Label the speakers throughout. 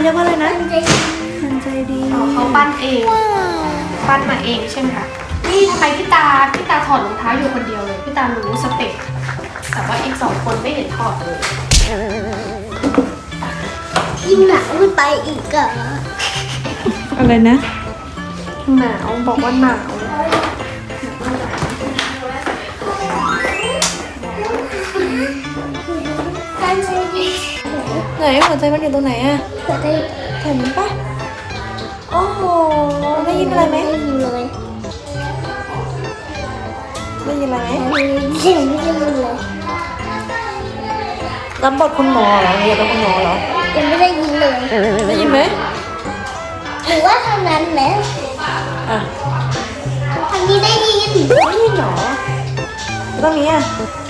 Speaker 1: เรียกว่าอะไรนะ
Speaker 2: มันใจดี
Speaker 1: มันใจดี
Speaker 3: เขาปั้นเองปั้นมาเองใช่ไหมคะนี่ทำไมพี่ตาถอดรองเท้าอยู่คนเดียวเลยพี่ตารู้สเต็ปแต่ว่าอีก2 คนไม่เห็นถอดเลย
Speaker 2: ยิ่งหนาวขึ้นไปอีกอะ
Speaker 1: อะไรนะ
Speaker 3: หนาวบอกว่าหนาว
Speaker 2: มันใจดี
Speaker 1: ไหนหัวใจมันอยู่ตรงไหนอะ
Speaker 2: หัวใจ
Speaker 1: เห็นปะโอ้โหได้ยินอะไรไหม
Speaker 2: ได้ยินเลย
Speaker 1: ได้ยินอะไรไหม
Speaker 2: ได้ยินเสียงไม่ได้ยินเลย
Speaker 1: รับบทคุณหมอเหรอเรียนเป็นคุณหมอเหรอ
Speaker 2: ยังไม่ได้ยินเลย
Speaker 1: ได้ยินไหม
Speaker 2: หรือว่าทางนั้นไหม
Speaker 1: อ่ะ
Speaker 2: ทางนี้ได้ยิน
Speaker 1: ได้ยินเหรอตรงนี้อ่ะ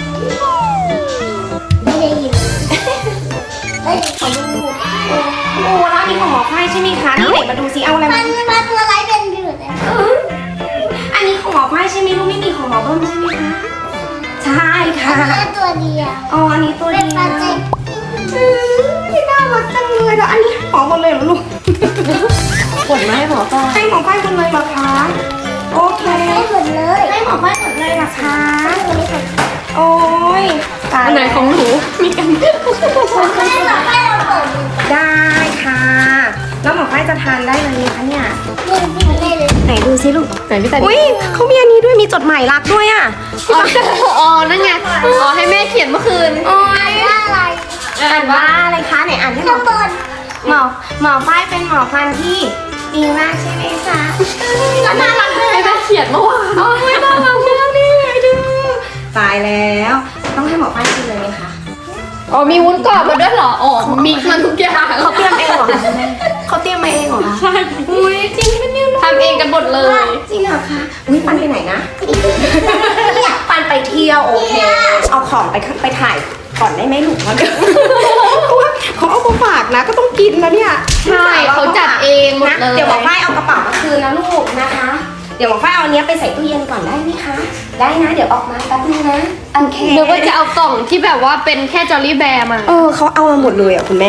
Speaker 2: ไม่ได้ยินเอ้ย
Speaker 3: ขอดูโอ้ร้านนี้ของหมอไฟใช่ไหมคะนี่ไหนมาดูซิเอาอะไร
Speaker 2: มั
Speaker 3: มาน
Speaker 2: ตัวไรเป็นอยู่เลย
Speaker 3: อันนี้ของหมอไฟใช่ไหมลูกไม่มีของหมอเบิ้มใช่ไหมคะใช่ค่ะ
Speaker 2: แค่ตัวเดียว
Speaker 3: อ๋ออันนี้ตัว
Speaker 2: เป็
Speaker 3: เดี
Speaker 2: น
Speaker 3: ยว
Speaker 2: ปลาจิก
Speaker 3: น่ารักจังเลยแล้วอันนี้ให้หมอหมดเลยเหรอลูก
Speaker 1: กดมาให้หมอก่อน
Speaker 3: ให้หมอไฟหมดเลยเหรอคะโอเค
Speaker 2: ให้หมดเลย
Speaker 3: ให้หมอไฟหมดเลยเหรอคะ
Speaker 2: ตัวนี้ของ
Speaker 3: โอ้ยตาย
Speaker 1: อันไหนของหนูมีกัน
Speaker 2: ให้เราให้เราเปิดดู
Speaker 3: ได้ค่ะ แล้วหมอไฟจะทานได้เลยไหมคะเนี่ย
Speaker 2: นี่ไม่ได้เลย
Speaker 3: ไหนดูซิลูก
Speaker 1: ไหนพี่ตา
Speaker 3: อุ้ยเขามีอันนี้ด้วยมีจดหมายรักด้วยอ่ะ
Speaker 1: อ๋อนั่นไงอ๋อให้แม่เขียนเมื่อคืน
Speaker 3: โอ้ย
Speaker 2: ว่าอะไร
Speaker 3: อ่านว่าอะไรคะไหนอ่านให้หม
Speaker 2: ข้า
Speaker 3: อง
Speaker 2: บน
Speaker 3: หมอฝ้ายเป็นหมอฟันที่ดีมากใช่ไหมคะแล้วน่ารักเลย
Speaker 1: ให้แม่เขียนเมื่อวาน
Speaker 3: โอ้ยน่ารักมากนี่ไงดูตายแล้วต้องให้หมอฝ้ายกินเลยไหมคะ
Speaker 1: อ๋อมีวุ้นกรอบมาด้วยเหรออ๋อมิกซ์มันทุกอย่าง
Speaker 3: เขาเตรียมเองเหรอคะเขาเตรียมมาเองเหรอคะ
Speaker 1: ใช่
Speaker 3: อุ้ยจริงปะเนี่ยลูก
Speaker 1: ทำเองกันหมดเลย
Speaker 3: จริงเหรอคะอุ้ยปันไปไหนนะปันไปเที่ยวโอเคเอาของไปถ่ายก่อนได้ไหมลูกเพราะเดี๋ยวเขาเอามาฝากนะก็ต้องกินนะเนี่ย
Speaker 1: ใช่เขาจัดเองหมด
Speaker 3: นะ
Speaker 1: เลย
Speaker 3: เดี๋ยวหมอฝ้ายเอากระเป๋ามาคืนนะลูกนะคะ เดี๋ยวหมอฝ้ายเอาอันเนี้ยไปใส่ตู้เย็นก่อนได้ไหมคะ ได้นะ เดี๋ยวออกมาแป๊บนึงนะโอเค
Speaker 1: นึกว่าจะเอากล่องที่แบบว่าเป็นแค่จอลลี่แบร์มา
Speaker 3: เขาเอามาหมดเลยอ่ะคุณแม่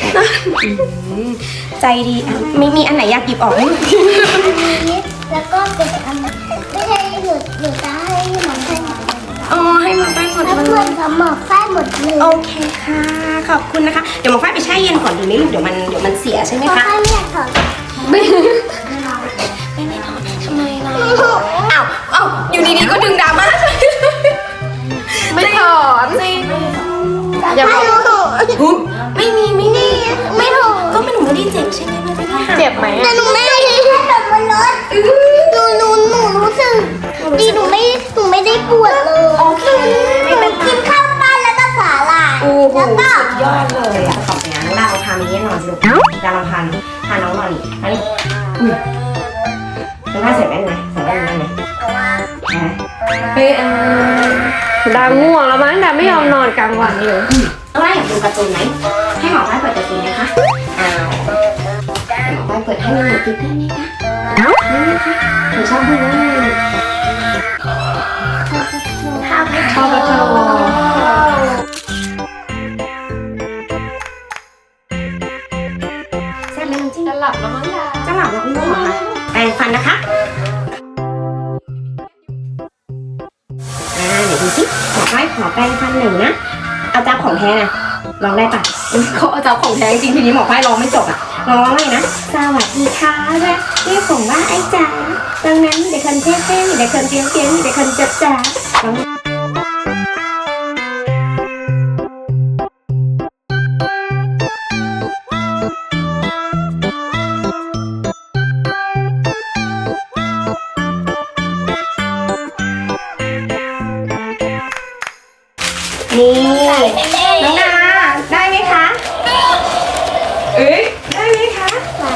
Speaker 3: ใจดีอ่ะมีอันไหนอยากหยิบออกไหม
Speaker 2: นี้แล้วก็เป็นอันไม่ใช่หยุดจะให้หมอนไส้หมด
Speaker 3: อ๋อให้หมอฝ้ายหมด
Speaker 2: แล้ว
Speaker 3: เล
Speaker 2: เพื่อย นกับหมอกไส้หมดเลย
Speaker 3: โอเคค่ะ ขอบคุณนะคะ เดี๋ยวหมอฝ้ายไปแช่เย็นก่อนดีไหมลูกเดี๋ยวมันเสียใช่ไหม
Speaker 2: หมอก
Speaker 3: คะ
Speaker 2: ไส้ไม่อยากถอด
Speaker 3: ไม่ถอดทำไมล่ะอ้าวอยู่ดีๆก็ดึงดราม่า
Speaker 1: ไม่ถอน
Speaker 3: จริง
Speaker 1: อย่าบอก
Speaker 3: ไม่มีไม่ถูกก็ไม่หนูไม่ได้เจ็บใช่ไหมไม่ได้หัก
Speaker 1: เจ็บไหม
Speaker 2: แต่
Speaker 1: อะ
Speaker 2: หนูไม่ได้แบบบนรถหนูรู้สึกดีหนูไม่ได้ปวดเลย
Speaker 3: โอเคไม่เป็น
Speaker 2: กินข้าวปั้นแล้วก็สาหร่าย
Speaker 3: โอ้โห
Speaker 2: แล้วก็
Speaker 3: สุดยอดเลยอ่ะขอบคุณนะดาลองพามิเนียนนอนสิลูกดาลองพาน้องนอนอีกอันนี้น้องพาใส่แว่นไหมใส่แว่นได้ไหม
Speaker 1: เฮ้ยดาง่วงแล้วมั้งดาไม่ยอมนอนกลางวันเลย
Speaker 3: น้องว่าอยากดูการ์ตูนไหมให้หมอฝ้ายเปิดการ์ตูนไหมคะอ้าวหมอฝ้ายเปิดให้หนูติดได้ไหมคะได้ไหมคะหนูชอบดูมากเลยข้าวผัด
Speaker 1: ชอบกระโจ
Speaker 3: แซ่บไหมจริง
Speaker 1: จะหลับแล้วมั้งดา
Speaker 3: จะหลับแล้วง่วงเหรอคะแปรงฟันนะคะเดี๋ยวดูสิหมอฝ้ายขอแปรงฟันหนึ่งนะเอาจับของแท้นะลองได้ปะเขาเอาจับของแท้จริงทีนี้หมอฝ้ายลองไม่จบอ่ะลองเลยนะสวัสดีค่ะเรียกผมว่าไอ้จ๋าดังนั้นเด็กคนเท่ๆเด็กคนเตี้ยๆเด็กคนจัดจ๋าลองนี่น้องนาได้ไหมคะเอ้ยได้ไหมคะ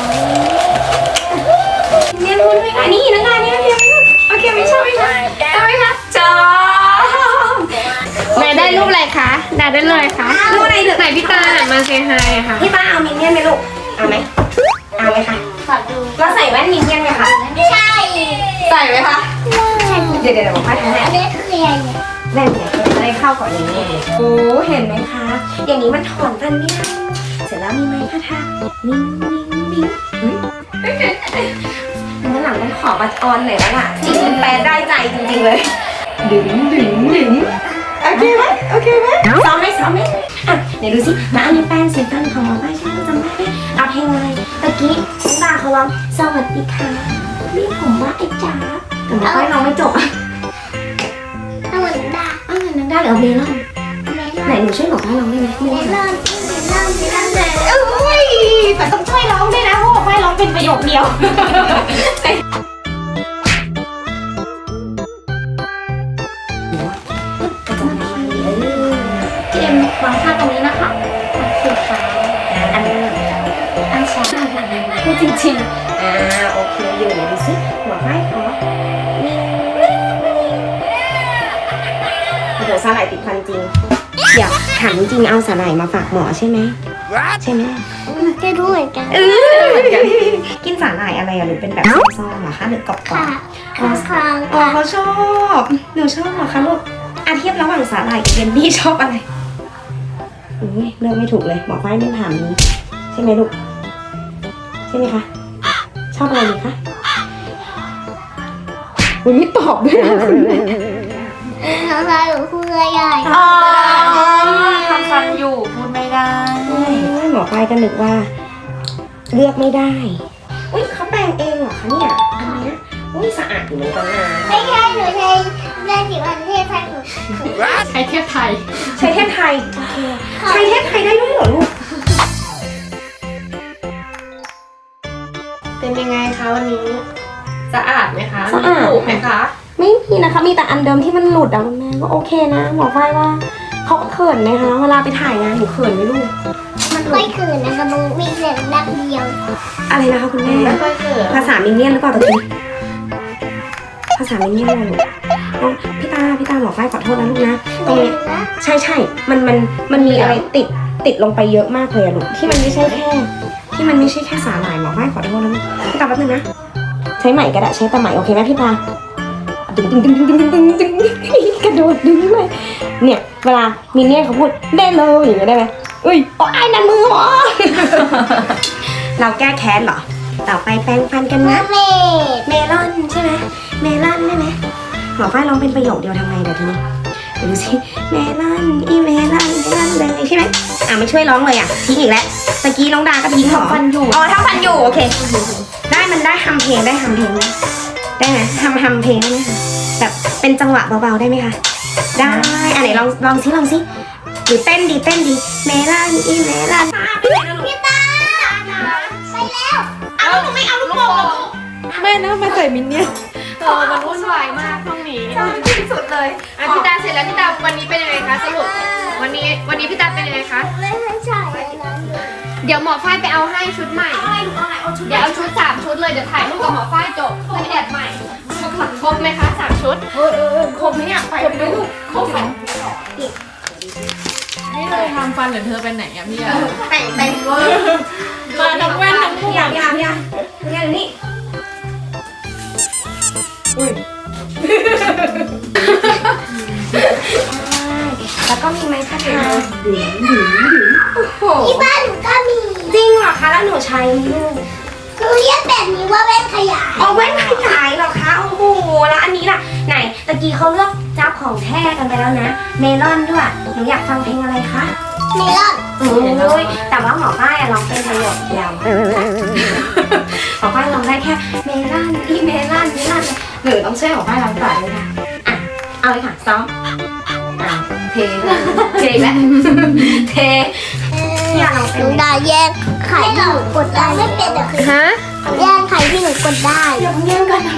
Speaker 3: เรียนรู้ด้วยค่ะนี่น้องนานี่โอเคไหมโอเคไม่ชอบไหมคะได้ไหมคะจอบ
Speaker 1: แม่ได้รูปอะไรคะดาได้รูปอะไรคะ
Speaker 3: รูปอะไรเดือด
Speaker 1: ไหนพี่ตาหันมาเซฮายค่ะ
Speaker 3: พี่ป้าเอามินเนี่ยนไหมลูกเอาไหมเอาไหมคะ
Speaker 2: ขอดู
Speaker 3: เราใส่แว่นมินเนี่ยนไหมคะ
Speaker 2: ไม่ใช่
Speaker 3: ใส่ไหมคะเดี๋ยวบอกป้าทำให้
Speaker 2: อันนี้คืออะไรเนี่ย
Speaker 3: แว่นเนี่ยจะได้เข้ากับนี้โอ้เห็นไหมคะอย่างนี้มันถอนฟันไม่ได้เสร็จแล้วมีไม้คาถานิ่งนิ่งนิ่งวันหลังต้องขอบัตรออนหน่อยแล้วล่ะจริงมันแปลได้ใจจริงๆเลยดึงโอเคไหมซ้อมไหมอ่ะเดี๋ยวดูสิมาอันนี้แป้งเสียงฟันของหมอป้ายใช่ไหมจำได้ไหมเอาเพลงอะไรตะกี้น้องตาเขาร้องสวัสดีค่ะนี่ผมว่าไอ้จ๋าแต่หมอป้ายร้องไม่จบอ่ะ
Speaker 2: เอาเหมือนดา
Speaker 3: นังได้หรือเอาเมลอนไหนหนูช่วยหมอป้ายร้องได้ไหม
Speaker 2: เมลอนเลย
Speaker 3: อุ้ยแต่ต้องช่วยร้องด้วยนะเพราะหมอป้ายร้องเป็นประโยคเดียวเอ็มวางท่าตรงนี้นะคะโอเคค่ะอันนี้อันสองพูดจริงๆโอเคอยู่ดูสิหัวไม้ขอเดี๋ยวสาหร่ายติดฟันจริงเดี๋ยวถามจริงเอาสาหร่ายมาฝากหมอใช่ไหมใช่ไหม
Speaker 2: ก็รู้เหมือนกัน
Speaker 3: กินสาหร่ายอะไรอะหรือเป็นแบบซองๆเหรอคะหรือกรอบ
Speaker 2: ค่ะ
Speaker 3: ๆ
Speaker 2: ค้าง
Speaker 3: อ๋อเขาชอบหนูชอบเหรอคะลูกเทียบระหว่างสาหร่ายกับเยลลี่ชอบอะไรอุ้ยเลือกไม่ถูกเลยหมอฝ้ายไม่ถามนี้ใช่ไหมลูกใช่ไหมคะชอบอะไรดีคะอุ้ยไม่ตอบด้วยนะคุณแม่
Speaker 2: ค้างหรือพูดใหญ่
Speaker 3: อ๋อ
Speaker 1: ทำฟันอยู่พูดไม่ได้
Speaker 3: หมอฝ้ายก็นึกว่า เลือกไม่ได้อุ้ยเขาแปรงเองเหรอคะเนี่ยอันเนี้ยอุ้ยสะอาดอยู่เหมือนกันนะ
Speaker 2: ไม่ใช่หนูใช้ได้จิ๋วอันเทศไทยหนู
Speaker 1: ใช้เทพไทย
Speaker 3: ใช้เทพไทยโอเคใช้เทพไทยได้ด้วยเหรอลูก
Speaker 1: เป็นยังไงคะวันนี้สะอาดไหมคะ
Speaker 3: สะอาด
Speaker 1: ถูกไหมคะ
Speaker 3: ไม่มีนะคะมีแต่อันเดิมที่มันหลุดอะคุณแม่ก็โอเคนะหมอฝ้ายว่าเขาเขินไหมคะเวลาไปถ่ายงานหนูเขินไหมลูกมันหลุ
Speaker 2: ไม่
Speaker 3: ด
Speaker 2: คืนนะคะมันมีเสียงดังเดียว
Speaker 3: อะไรนะคะคุณแม่
Speaker 1: ไม่ค่อยเกิด
Speaker 3: ภาษามินเนี่ยนหรือเปล่าตะกี้ภาษามินเนี่ยนเลยลูกพี่ตาหมอฝ้ายขอโทษนะลูกนะตรงเนี้ยใช่มันมีอะไรติดลงไปเยอะมากเลยอะลูกที่มันไม่ใช่แค่สาหร่ายหมอฝ้ายขอโทษนะลูกพี่ตาแป๊บนึงนะใช้ไหมก็ได้ใช้ตะไหมโอเคไหมพี่ตาดึงกระโดดดึงเลยเนี่ยเวลามินเนี่ยนเขาพูดได้เลยอย่างเงี้ยได้ไหมอุ้ยโอ้ยนั่นมือหมอ เราแก้แค้นเหรอต่อไปแปรงฟันกันนะ
Speaker 2: เมด
Speaker 3: เมลอนใช่ไหมเมลอนได้ไหมหมอฝ้ายร้องเป็นประโยคเดียวทำไงเดี๋ยวทีนี้เดี๋ยวดูสิเมลอนอีเมลอนเลยใช่ไหมไม่ช่วยร้องเลยทิ้งอีกแล้วตะกี้น้องดาก็ทิ้งหรอทำฟันอยู่โอเคได้มันได้ทำเพลงได้ไหมทำเพลงได้ไหมคะแบบเป็นจังหวะเบาๆได้ไหมคะได้อันไหนลองซิหรือเต้นดีเมลอนอีเมลอนพี่ตาไปแล้วเอาหนูไม่เอาลูกโป่ง
Speaker 1: แม่นะมาใส่มินเนี่ยมันวุ่นวายมากห้องนี้
Speaker 3: ที่สุดเลย
Speaker 1: พี่ตาเสร็จแล้วพี่ตาวันนี้เป็นยังไงคะสรุปวันนี้พี่ตาเป็นยังไงคะ
Speaker 2: ไม่ใช่อะไรนะ
Speaker 1: เดี๋ยวหมอฝ้ายไปเอาให้ชุดใหม่ เดี๋ยวเอาชุด3 ชุดเลยเดี๋ยวถ่ายรูปกับหมอฝ้ายจบเพื่อแอดใหม่ครบไหมคะ3 ชุดครบไหมเนี่ยครบไหมลูกครบไหม
Speaker 4: นี่เธอทำฟันหรือเธอเป็นไหนอะพี่อะ
Speaker 3: แต่งเวอร์
Speaker 4: มาทั้งแว่นทั้งหมว
Speaker 3: อย่าก นี่แล้วก็มีไม้คาถา
Speaker 2: ที่บ้านหนูก็มี
Speaker 3: จริงเหรอคะแล้วหนูใช้ลูก
Speaker 2: หนูเรียกแบบนี้ว่าแว่นขยาย
Speaker 3: เอาแว่นขยายเหรอคะโอ้โหแล้วอันนี้ล่ะไหนตะกี้เขาเลือกจับของแท้กันไปแล้วนะเมลอนด้วยหนูอยากฟังเพลงอะไรคะ
Speaker 2: เมลอน
Speaker 3: โอ้ยแต่ว่าหมอป้ายร้องเป็นประโยคเดียวหมอป้ายร้องได้แค่เมลอนอีเมลอนหรือต้องช่วยหมอป้ายร้องต่อเลยค่ะอ่ะเอาเลยค่ะซ้อมเทแล้วอย่าร้อง
Speaker 2: ห
Speaker 3: เป็น
Speaker 2: นูได้แยกไข่ที่หนูกดได้ไม่เป็นแต่คือ
Speaker 1: ฮะ
Speaker 2: แยกไข่ที่หนูกดได้
Speaker 3: อย่าเพิ่งแย่งกันนะ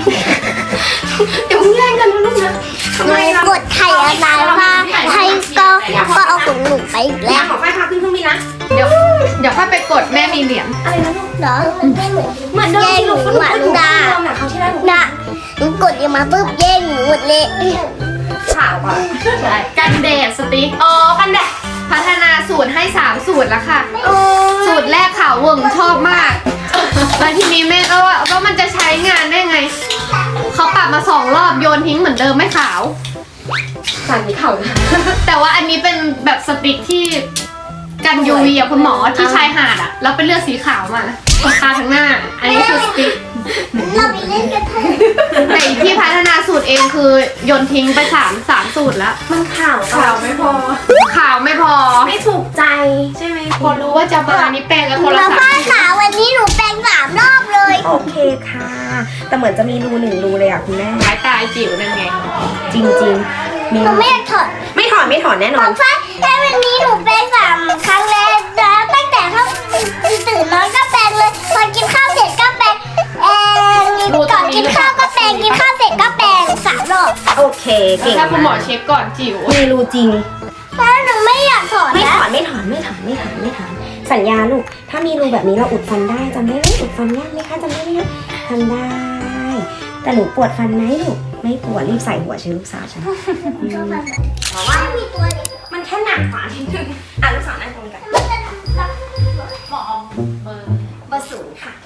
Speaker 3: ลูกนะทำ
Speaker 2: ห
Speaker 3: ไม
Speaker 2: นู
Speaker 3: ล่ะ
Speaker 2: กดไข่อะไรว่าไข่ก็เอาของหนูไปอีก
Speaker 3: แล้
Speaker 2: แล้ว ว
Speaker 3: หมอป้ายพาขึ้นเครื่องบินนะ
Speaker 1: เดี๋ยวค่อยไปกดแม่มีเหรียญ
Speaker 3: อะไรนะลูก
Speaker 2: เหรอมันไม่เหมือน
Speaker 3: เหมือนเดิมที่ลูกก็ลูกก็อยู่ที่เดิมนะเขาที่ได้หนู
Speaker 2: นะหนูกดยังมาปุ๊บแย่งหนูหมดเลย
Speaker 3: ข่าวอ่ะ
Speaker 1: ใช่กันแดดสติ๊ก
Speaker 3: อ๋อกันแดด
Speaker 1: พัฒนาสูตรให้3 สูตรแล้วค่ะ
Speaker 3: โอ้
Speaker 1: สูตรแรกขาวเวิงชอบมากแล้วทีนี้แม่ก็ว่ามันจะใช้งานได้ไงเขาปรับมา2 รอบโยนทิ้งเหมือนเดิมไม่ขาว
Speaker 3: สั่นที่เข่า
Speaker 1: แต่ว่าอันนี้เป็นแบบสติ๊กที่กัน UV อ่ะคุณหมอที่ชายหาดอ่ะแล้วเป็นเลือดสีขาวมาทาทั้งหน้า อันนี้คือสติ๊ก
Speaker 2: เราไปเล่นกันเถอะ
Speaker 1: แต่อีกที่พัฒนาสูตรเองคือโยนทิ้งไป3สูตรแล้ว
Speaker 3: มันข่าว
Speaker 4: ข่าวไม่พอ
Speaker 1: ขาวไม่พอ
Speaker 3: ไม่ถูกใจใช่ไหม
Speaker 1: พอรู้ว่าจะมานี่แปลงกันคนละ
Speaker 2: มา
Speaker 1: สา
Speaker 2: ฝ้าม ขาวันนี้หนูแปรง3 รอบเลย
Speaker 3: โอเคค่ะ แต่เหมือนจะมีรู1รูเลยอ่ะคุณแม่
Speaker 1: สายตาจิ๋วนั่นไง
Speaker 3: จริงๆมี
Speaker 2: หนูไม่อยากถอด
Speaker 3: ไม่ถอนแน่นอน
Speaker 2: ฝ้าแต่วันนี้หนูแปรง3 ครั้งแล้วนะตั้งแต่เข้าตื่นนอนก็แปรงเลยพอกินข้าวเสร็จก็แปรงก่อนกินข้าวก็แปรงกินข้าวเสร็จก็แปรง3 รอบ
Speaker 3: โอเคเก่ง
Speaker 1: ถ้าคุณหมอเช็คก่อนจิ๋ว
Speaker 3: มีรูจริง
Speaker 2: แล้วหนูไม่อยากถอด
Speaker 3: ไม่
Speaker 2: นะ
Speaker 3: ถอนสัญญาลูกถ้ามีรูแบบนี้เราอุดฟันได้จำได้ไหมอุดฟันยากไหมคะจำได้ไหมคะทำได้ แต่หนูปวดฟันไหมลูกไม่ปวดรีบใส่หัวเชื้อลูกสาวฉัน
Speaker 2: เพราะว่ามีตัวเล็ก
Speaker 3: มันแค่หนักฝานิดนึงอ่ะลูกสาวนั่งตรงนี้กัน
Speaker 2: มันจะรับ
Speaker 1: หมอเบอร์
Speaker 3: เบอร์0ค่ะ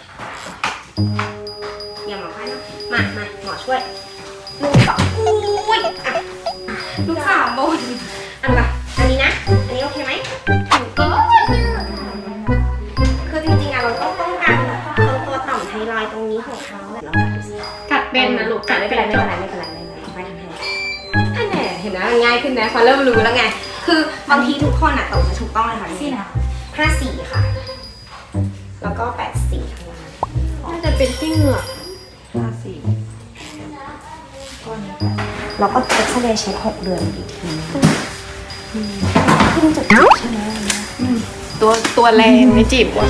Speaker 3: อย่าหมอไฟนะมาหมอช่วยลูกสาวอุ้ยอ่ะลูกสาวบนอันนี้นะอันนี้โอเคไหม
Speaker 1: ก็
Speaker 3: คือจริงๆอะเราต้องป้องกันตัวต่อมไทรอยด์ตรงนี้ของเขาแล้วแบบดูสิ
Speaker 1: กัดเป็นนะลูกกัด
Speaker 3: ไม่
Speaker 1: เป็
Speaker 3: เป็น
Speaker 1: น
Speaker 3: ไรไม่เป็นไรไฟทำให้อันแน่เห็นไหมมันง่ายขึ้นนะพอเริ่มรู้แล้วไง คือบางทีทุกคนอะตอบมาถูกต้องเลยค่ะนี่นะ54ค่ะ แล้วก็84ข้างล่าง
Speaker 1: น่าจะเป็นที่เหงือก
Speaker 3: แล้วก็เอ็กซเรย์เช็ค6 เดือนอีกทีขึ้นจุดใช่ไหม
Speaker 1: ตัวแรงในจิ๋วอะ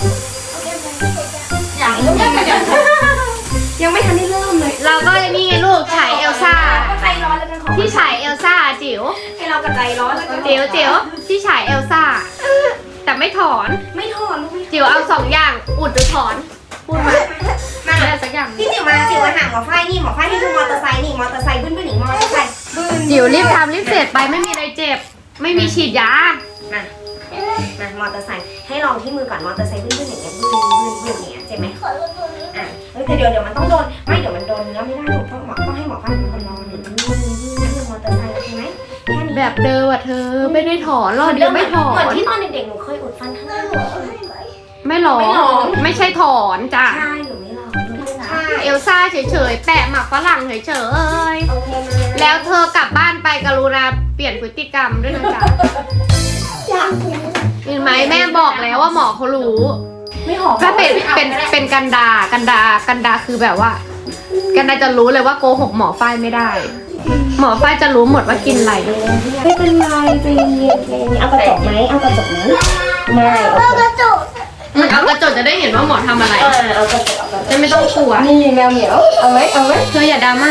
Speaker 3: ยังไม่ทันได้เริ่มเลย
Speaker 1: เราก็นี่ไงลูกฉายเอลซ่า
Speaker 3: ก็ใจร้อนแล้วกันของ
Speaker 1: ที่ฉายเอลซ่าจิ๋ว
Speaker 3: ให้เรากระใจร้อนแล้วกัน
Speaker 1: จิ๋วที่ฉายเอลซ่าแต่ไม่ถอน
Speaker 3: ไม่ถอนลูกไม่
Speaker 1: จิ๋วเอา2 อย่างอุดหรือถอนพูดมาอะไรสักอย่าง
Speaker 3: พี่จิ๋วมาหาหมอฝ้ายนี่หมอฝ้ายให้ดูมอเตอร์ไซค์นี่มอเตอร์ไซค์บึ้นหนิงมอเตอร์ไซค์บึ้น
Speaker 1: จิ๋วรีบทำรีบเสร็จไปไม่มีอะไรเจ็บ ไม่มีฉีดยา
Speaker 3: มอเตอร์ไซค์ให้ลองที่มือก่อนมอเตอร์ไซค์บึ้นอย่างเงี้ยบึ้นอย่างเงี้ยเจ็บไหม
Speaker 2: ขอลดตัวนี้
Speaker 3: อ่ะแต่เดี๋ยวมันต้องโดนไม่เดี๋ยวมันโดนเนื้อไม่ได้ลูกต้องให้หมอฝ้ายเป็นคนลองหนึ่งมอเตอร์ไซค์โอเคไหมแค่นี้
Speaker 1: แบบเดิมอะเธอไม่ได้ถอนหรอกเดี๋ยวไม่ถอ
Speaker 3: เหมือน
Speaker 1: น
Speaker 3: ที่ตอนเด็กๆหนูเคยอุดฟันข้างหน้าหนู
Speaker 1: ไม่หลอกไม่ใช่ถอนจ้ะ
Speaker 3: ใช่หนูไม่ลองใช่
Speaker 1: เอลซ่าเฉยๆแปะหมักฝรั่งเฉย
Speaker 3: โอเคไหม
Speaker 1: ๆแล้วเธอกลับบ้านไปกรุณาเปลี่ยนพฤติกรรมด้วยนะจ๊ะ
Speaker 2: อยาก
Speaker 1: เห็นไหมแม่บอกแล้วว่าหมอเขารู้
Speaker 3: ไม่หอม
Speaker 1: ถ้าเป็นกันดาคือแบบว่า กันดาจะรู้เลยว่าโกหกหมอฝ้ายไม่ได้ หมอฝ้ายจะรู้หมดว่ากินอะไร
Speaker 3: ไม่เป็นไรใจเย็นเอากระจกไหมเอากระจกไหมไม่โอ
Speaker 2: เอา
Speaker 3: เค
Speaker 2: กระจก
Speaker 1: เอากระจกจะได้เห็นว่าหมอทำอะไร
Speaker 3: เอากระจก
Speaker 1: จะไม่ต้องกลัว
Speaker 3: นี่แมวเหมียวเอาไหม
Speaker 1: เธออย่าดราม่า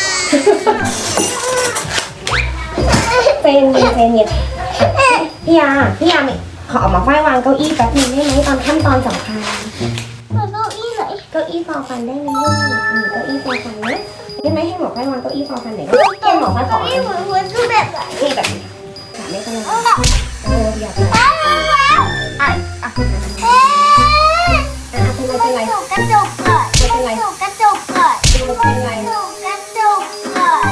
Speaker 3: เจนพี่ยาขอออกมาไฟวางเก้าอี้แป๊บนึงได้ไหมตอนขั้นตอนสำคัญ
Speaker 2: เอาเก้าอี้ไหน
Speaker 3: เก้าอี้ฟอฟันได้ไหมลูกเก้าอี้ฟอฟันนะได้ไหมให้หมอไฟวางเก้าอี้ฟอฟันหน่อยให้หมอไฟขอ
Speaker 2: เก้าอี้เหมือนคือแบบไหน
Speaker 3: นี่แบบนี้ค่ะไม่เป็นไรอยาก
Speaker 2: เป็นไรกระจกก่อนกระจกก่อน
Speaker 3: เป็นไร
Speaker 2: กระจกก่อน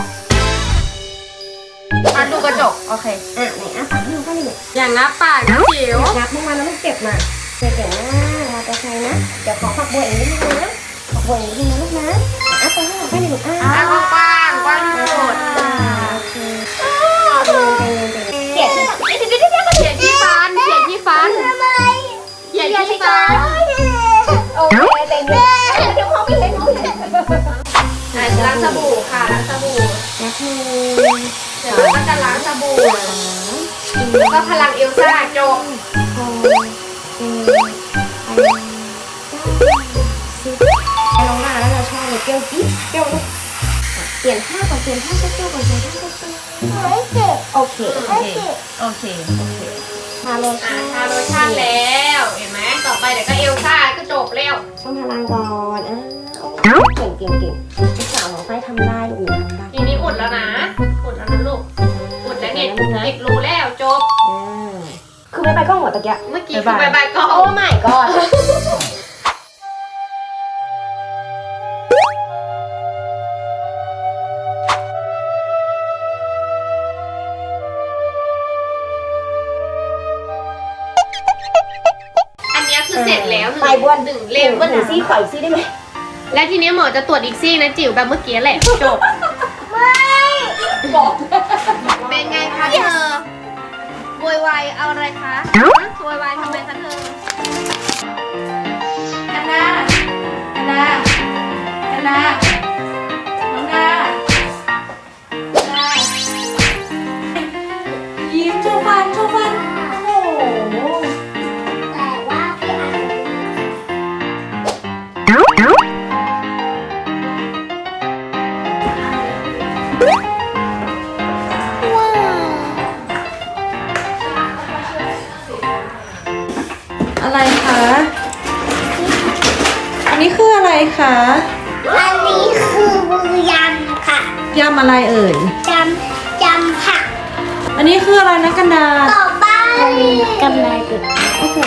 Speaker 1: มาดูกระจกโอเค
Speaker 3: ไหนปากให้หนูก็เลย
Speaker 1: อย่างงับปากนะจิ๋ว
Speaker 3: งับมึงมาแล้วมึงเจ็บมาเจ็บนะเราจะใช้นะเดี๋ยวขอฝักบัวอีกนิดนึงนะฝักบัวอีกนิดนึงนะลูกนะตัวให้หนูให้หนู
Speaker 1: กว้างที่สุด
Speaker 3: เขียน
Speaker 1: เขียนที่ฟัน
Speaker 2: ทำไม
Speaker 1: เขียนที่ฟัน
Speaker 3: โอเคเต็มเลยเดี๋ยวพ่อไม่เห็นหนู
Speaker 1: ล้างสบู่ค่ะล้างสบู่
Speaker 3: นะคือ
Speaker 1: เดี๋ยวเราก็จะล้างสบู่แล้วก็พลังเอลซ่าจบ
Speaker 3: ไปลองมาแล้วเราชอบเลยเปรี้ยวจิ๊บเปรี้ยวลูกเปลี่ยนผ้าก่อนเปลี่ยนผ้าเช็ดตัวก่อนเปลี่ยนผ้าเช็ดตัว
Speaker 2: ไม่เจ็บ
Speaker 3: โอเค
Speaker 2: ไม่เจ็บ
Speaker 1: โอเค
Speaker 3: ทาโล
Speaker 1: อ่า
Speaker 3: ชั่น
Speaker 1: ทาโลชั่นแล้วเห็นไหมต่อไปเดี๋ยวก็เอลซ่าก็จบแล้ว
Speaker 3: ต้องพลังก่อนเก่งลูกสาวของไฟทำได้ลูกทำได้
Speaker 1: ทีนี้อุดแล้วนะอุดแล้วนะลูกอุดแล้วเนี่ยติดรูแล้วจบ
Speaker 3: คือไม่ไปก็หัวตะเกียบ
Speaker 1: เมื่อกี้คือบายก็
Speaker 3: โอ้ my god
Speaker 1: เสร็จแล้ว
Speaker 3: ไปบ้วน
Speaker 1: หนึ่งเล่ม
Speaker 3: บ้วนหนึ่งซี่ขออีกซี่ได้ไหม
Speaker 1: และทีนี้หมอจะตรวจอีกซี่นะจิ๋วแบบเมื่อกี้แหละจบ
Speaker 3: บอก
Speaker 1: เป็นไงคะเธอโวยวายเอาอะไรคะโวยวายทำไมคะเธอ
Speaker 4: กันนากันนากันนาน้องนายิ้มโชว์ฟันโชว์ฟันโอ้โห
Speaker 2: แต่ว่าพี่อัน
Speaker 4: อะไรคะ อันนี้คืออะไรคะ
Speaker 2: อันนี้คือมือยำค่ะ
Speaker 4: ยำอะไรเอ่ย
Speaker 2: ยำผัก
Speaker 4: อันนี้คืออะไรนะกันดา
Speaker 2: ต่อไปกำไรเป็ด
Speaker 4: โอ้โห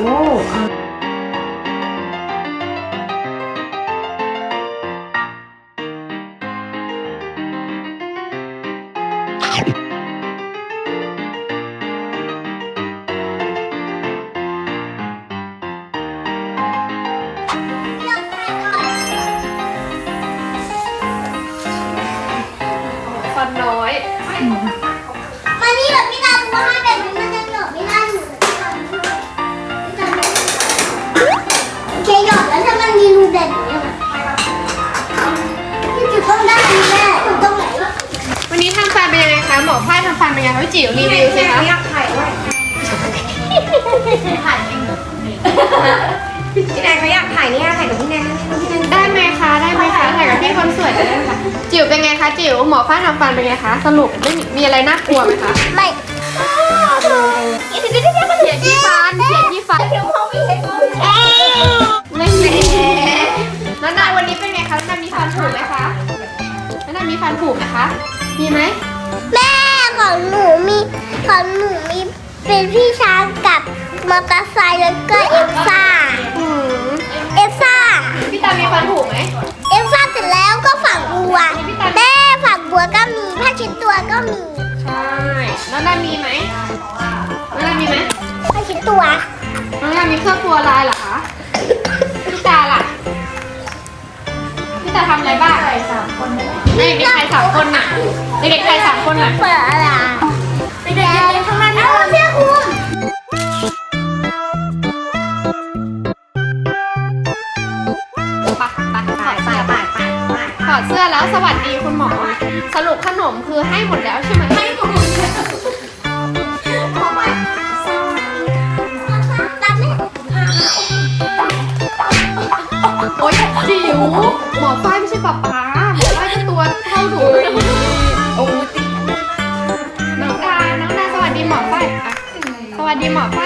Speaker 1: ฟันน้อย
Speaker 2: มานี่แบบพี่ตาดูว่าให้แบบนี้มันจะหยดไม่ได้หนูโอเคหยดแล้วถ้ามันมีรูแบบนี้อะพี่จุดต้องได้แม่จุดตรงไหน
Speaker 1: วันนี้ทำฟันเป็นยังไงคะหมอฝ้ายทำฟันเป็นยังไงคะพี่จิ๋วรีวิวสิคะ
Speaker 3: อยากถ่ายด้วยพี่แนนเขาอยากถ่ายเนี่ยถ่ายกับพี่แนนนะพี่แนน
Speaker 1: ได้ไหมคะได้ไหมคะถ่ายกับพี่คนสวยได้ไหมคะจิ๋วเป็นไงคะจิ๋วหมอฝ้ายทำฟันเป็นไงคะสรุปไม่มีอะไรน่ากลัวไหมคะ
Speaker 2: ไม่
Speaker 1: เขียนที่ฟันเขียนที่ฟันไม่มีแล้วนายวันนี้เป็นไงคะแล้วนายมีฟันผุไหมคะแล้วนายมีฟันผุไหมคะมีไหม
Speaker 2: แม่ของหนูมีเป็นพี่ช้างกับมอเตอร์ไซค์แล้วก็เอลซ่า
Speaker 1: อืม
Speaker 2: เอลซ่า
Speaker 1: พี่ตามีฟันผุไหม
Speaker 2: เอลซ่าเสร็จแล้วก็ฝักบัวแม่ฝักบัวก็มีผ้าเช็ดตัวก็มี
Speaker 1: ใช่แล้วนายมีไหมแล้วนายมีไหม
Speaker 2: ผ้าเช็ดตัว
Speaker 1: น้องยามีเครื่องครัวลายเหรอคะ พี่ตาล่ะ พี่ตาทำอะไรบ้างเด็กๆไทย3 คนน่ะ เด็กๆไทย3 คนน่ะ
Speaker 2: เปิดอะไรเด็กๆยืนข้างหน้าที่เอาเสื้อคลุม
Speaker 1: ถอดเสื้อแล้วสวัสดีคุณหมอ สรุปขนมคือให้หมดแล้วใช่ไหมให้หมดแล้ว
Speaker 2: รับไหม
Speaker 1: โอ๊ยจิ๋วหมอฝ้ายไม่ใช่ป๊าป๊าหมอฝ้ายก็ตัวเท่าหนูโอ้ยน้องดาสวัสดีหมอฝ้ายอ่ะสวัสดีหมอฝ้าย